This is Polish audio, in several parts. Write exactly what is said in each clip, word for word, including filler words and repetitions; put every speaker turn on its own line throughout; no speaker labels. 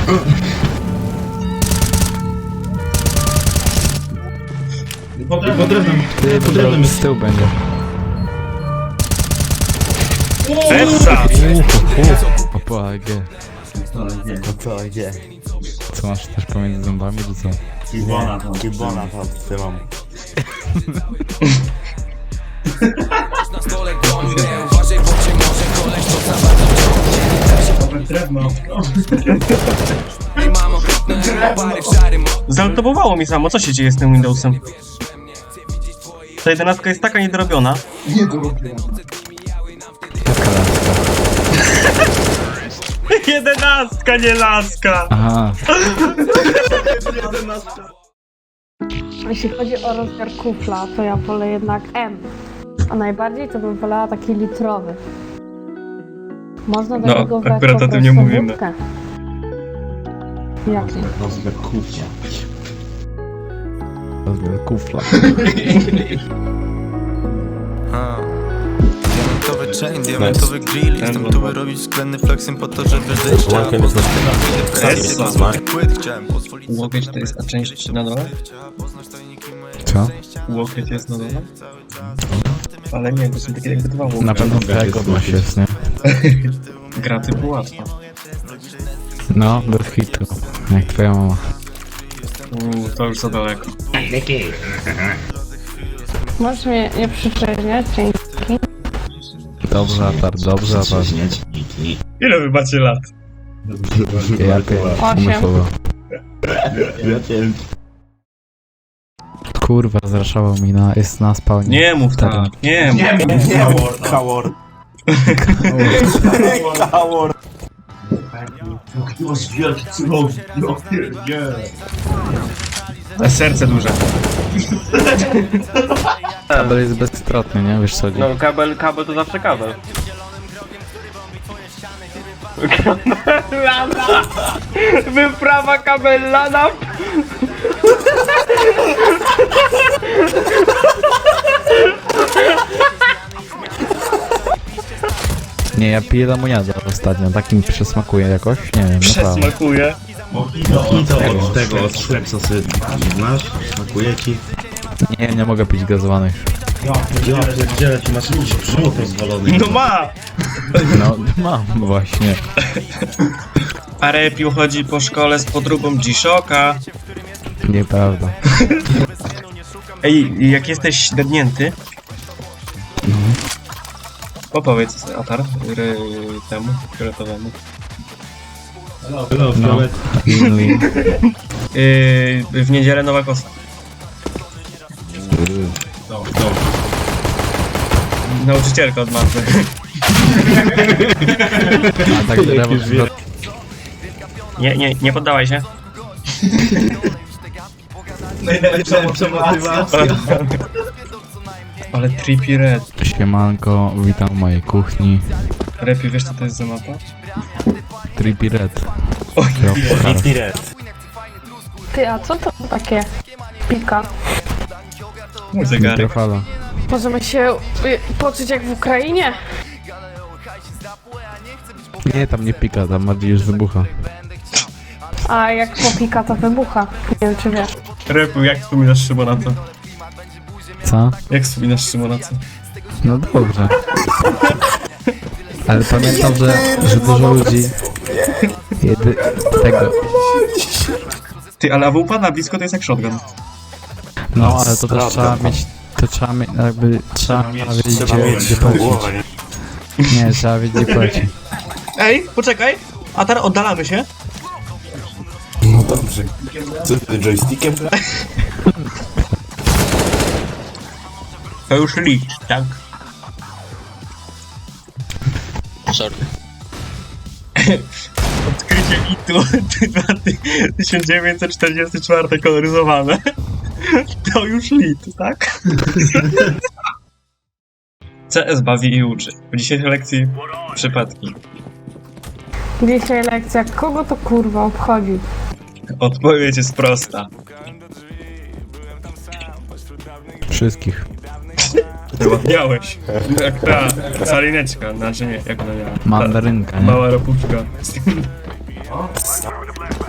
Pod drewnem.
Ty,
Pod drewnem
z tyłu będzie.
Essa!
Opo, A G.
No co, gdzie?
Co masz też pomiędzy zębami, czy co?
Kibona tam. Kibona tam trzymam.
Drewno.
Zaltobowało mi samo, co się dzieje z tym Windowsem? Ta jedenastka jest taka niedorobiona.
Jaka laska?
Jedenastka, nie laska!
Aha.
Jeśli chodzi o rozmiar kufla, to ja wolę jednak M. A najbardziej to bym wolała taki litrowy. Można do
No,
niego wlać
akurat
po
o tym
prostu
nie mówimy.
wódkę. Jak nie?
Rozmiar kufcia.
Rozmiar kufla.
Diamentowy chain, diamentowy grill. Jestem tu, by robić względny flexem po to, żeby żyć.
Essa.
Płyt chciałem pozwolić.
Łokieć to jest ta część na dole?
Co?
Łokieć jest na dole? Ale nie, to są takie jakby dwa łokieć.
Na pewno tego masz jest, nie?
Gra typu łatwa.
No, bez hitu. Jak twoja mama.
Uuu, to już za daleko.
Możesz mnie nie przyczeźniać, dzięki.
Dobrze, Atar, dobrze, Atar.
Ile wy macie lat?
Ja pierdolę, umysłowo.
Ja cię...
Kurwa, zraszował mi na, jest na spawnie.
Nie mów tak, nie mów.
Nie, Howard. Howard. Jakiegoś wielki cudowny.
A serce duże.
Kabel jest bezstratny, nie? Wiesz co?
No kabel, kabel to zawsze kabel. Kabelana! Wyprawa kabelana!
Nie, ja piję lemoniadę ostatnio, takim przesmakuje jakoś, nie wiem, naprawdę.
Przesmakuje.
I to od tego, od Schweppesa sobie masz, smakuje ci.
Nie, nie mogę pić gazowanych.
Ja pierdzielę, ty masz jakiś brzuch rozwalony.
No ma!
No, mam właśnie.
A Repiu chodzi po szkole z podróbą G-Shocka.
Nieprawda.
Ej, jak jesteś średnięty, opowiedz Atar ry, temu, fioletowemu.
No,
No, Inli.
Yy, w niedzielę Nowa Kosta.
no, no.
Nauczycielka od matmy.
A tak drzewo...
Nie, nie, nie poddawaj się.
Najlepsza motywacja.
Ale Trippy Red.
Siemanko, witam w mojej kuchni.
Repiu, wiesz co to jest za mapa?
Trippy Red.
Oj,
Ty, a co to takie pika?
mój zegarek.
Mikrofala.
Możemy się y, poczuć jak w Ukrainie?
Nie, tam nie pika, tam bardziej już wybucha.
A jak popika, to wybucha. Nie wiem, czy wiesz.
Repiu, jak wspominasz Szymonaca?
Co?
Jak wspominasz Szymonaca?
No dobrze. Ale pamiętam, że, że dużo ludzi... Jedy... tego...
Ty, ale A W P na blisko to jest jak shotgun.
No, ale to też trzeba mieć... To trzeba mieć, jakby... Trzeba wiedzieć, gdzie, gdzie polecieć. Nie, trzeba wiedzieć, gdzie polecieć.
Ej, poczekaj! Atar, oddalamy się.
No dobrze. Co ty joystickiem?
To już licz, tak?
Sorry.
Odkrycie mitu tysiąc dziewięćset czterdziesty czwarty koloryzowane. To już lit, tak? C S bawi i uczy. W dzisiejszej lekcji przypadki.
Dzisiaj lekcja, kogo to kurwa obchodzi?
Odpowiedź jest prosta.
Wszystkich.
Miałeś. Jak ta salineczka, znaczy nie, jak ona miała.
Mandarynka,
Ta
nie?
mała ropuszka.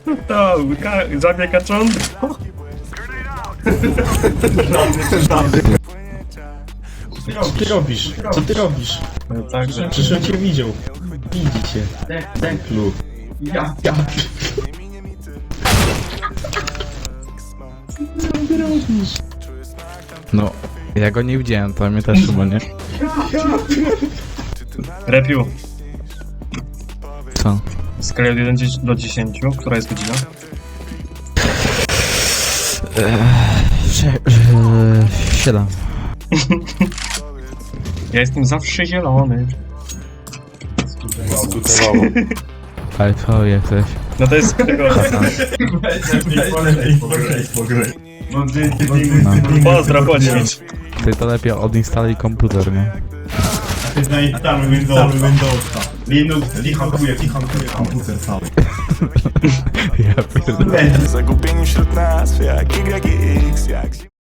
To, ka- żabie kacząt.
Co ty robisz? Co ty robisz?
No także.
Przecież on cię widział. Widzi cię. Deklu. Ja. Ja. Co ty robisz?
No, ja go nie widziałem, to mnie też chyba, nie?
Repiu,
Co?
w skali od jeden do dziesięciu, która jest godzina?
Sze- e, Siedem.
Ja jestem zawsze zielony.
Skutewało.
Ale co jesteś?
No to jest tego. Pozdro, poćwicz.
Ty to lepiej odinstaluj komputer, nie?
Tam Windowsa. Windowsa. Linux, lichankuje, lichankuje komputer cały.
Ja pierdolę.
Zagubieni wśród nas, jak Y i X, jak